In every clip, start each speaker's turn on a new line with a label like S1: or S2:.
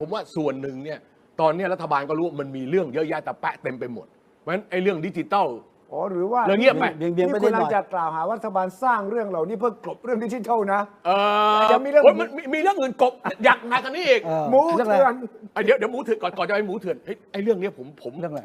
S1: ผมว่าส่วนหนึ่งเนี่ยตอนนี้รัฐบาลก็รู้มันมีเรื่องเยอะแยะแต่แปะเต็มไปหมดเพราะฉะนั้นไอ้เรื่องดิจิตอล
S2: อ๋อหรือว่า
S1: เรื่องเงียบไป
S2: นี่คุณกำลังจะกล่าวหาว่ารัฐบาลสร้างเรื่องเหล่านี้เพื่อกลบเรื่องดิจิทัลนะ
S1: จะ
S2: มีเรื่อง
S1: มันมีเรื่องอื่นกบอยากหนักกันนี้อีก
S2: หมูเถื่อน
S1: เดี๋ยวหมูเถื่อนก่อนจะไปหมูเถื่อนไอ้เรื่องนี้ผม
S3: เรื่องอะไร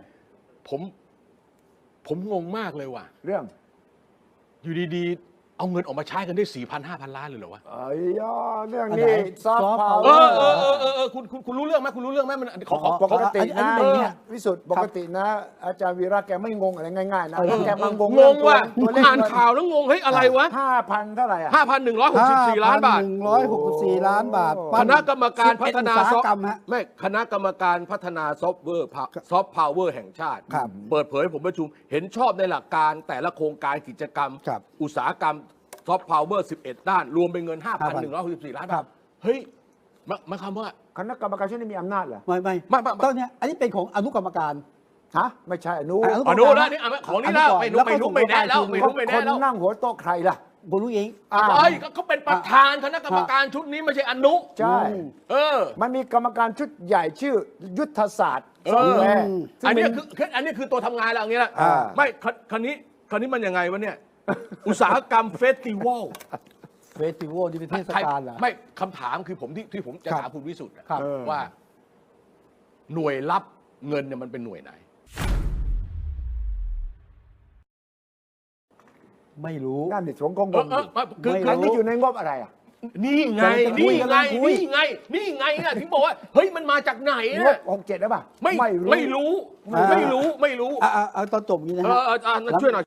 S1: ผมงงมากเลยว่ะ
S2: เรื่อง
S1: อยู่ดีๆเอาเงินออกมาใช้กันได้ 4,000-5,000 ล้านเลยเหรอวะ
S2: ไอ้ยอเรื่องนี้ซอฟต์พาวเว
S1: คุณรู้เรื่องไหมคุณรู้เรื่องไหมมันขอ
S2: ปกติ
S3: อัน
S2: นะ
S3: นี้เป็นอย่างเงี้ย
S2: วิสุทธ์ปกตินะ อาจารย์วีระแกไม่งงอะไรง่ายๆนะแกมางง
S1: งงว่ะ
S2: ตัวเลข
S1: อ่านข่าวแล้วงงเฮ้ยอะไรวะ
S2: 5,000 เท่าไหร่อ่ะ
S1: 5,164 ล้านบาท
S3: 164 ล้านบาท
S1: คณะกรรมการพัฒนา
S3: อุตสาหกรรมฮะ
S1: ไม่คณะกรรมการพัฒนาซอฟต์แวร์ซอฟต์พาวเวอร์แห่งชาติ
S3: ครับ
S1: เปิดเผยผมประชุมเห็นชอบในหลักการแต่ละโครงการกิจกรรม
S3: ครับ
S1: อุตสาหกรรมซอฟต์พาวเวอร์11 ด้าน รวมเป็นเงิน 5,164 ล้านบาทเฮ้ยหมายความว่า
S2: คณะกรรมการชุดนี้มีอำนาจเหรอ
S3: ไม่ตอนเนี้ยอันนี้เป็นของอนุกรรมการ
S2: ฮะไม่ใช่อนุ
S1: อ๋อนู้นแล้วนี่ของนี่แล้วไม่รู้ไม่แน่แล้วไม่รู้ไม่
S2: ค
S1: แน่
S2: น
S1: แล้ว
S2: นั่งหัวโต๊ะใครล่ะ
S3: คุณรู้เอง
S1: เอ้ยเขาเป็นประธานคณะกรรมการชุดนี้ไม่ใช่อนุ
S2: ใช่ มันมีกรรมการชุดใหญ่ชื่อยุทธศาสตร์ซอฟต์แวร์
S1: อันนี้คือตัวทำงานแล้วอย่างนี้แหละไม่คราวนี้มันยังไงวะเนี่ย อุตสาหกรรมเฟสติวัล
S3: เฟสติวัลที่เป็นเทศกาลเหรอ
S1: ไม่คำถามคือผมที่ผมจะ
S3: ครับ
S1: ถามคุณวิสุทธ์อะ
S3: ครับ
S1: ว่า หน่วยรับเงินเนี่ยมันเป็นหน่วยไหน
S3: ไม่รู้
S2: นั่นดิผมก็งงอยู่
S1: คือ
S3: ไม่
S2: อันนี้อยู่ในงบอะไรอ่ะ
S1: นี่ไง
S3: คุยกันนะ
S1: นี่ไงนะถึงบอกว่าเฮ้ยมันมาจากไหน
S2: ง
S1: นะ
S2: บ67ได้ป่ะ
S1: ไม่รู้
S3: อ่า
S1: ไม่รู้
S3: เอาตอนจบอย่างนี้นะฮะ
S1: ช่วยหน่อย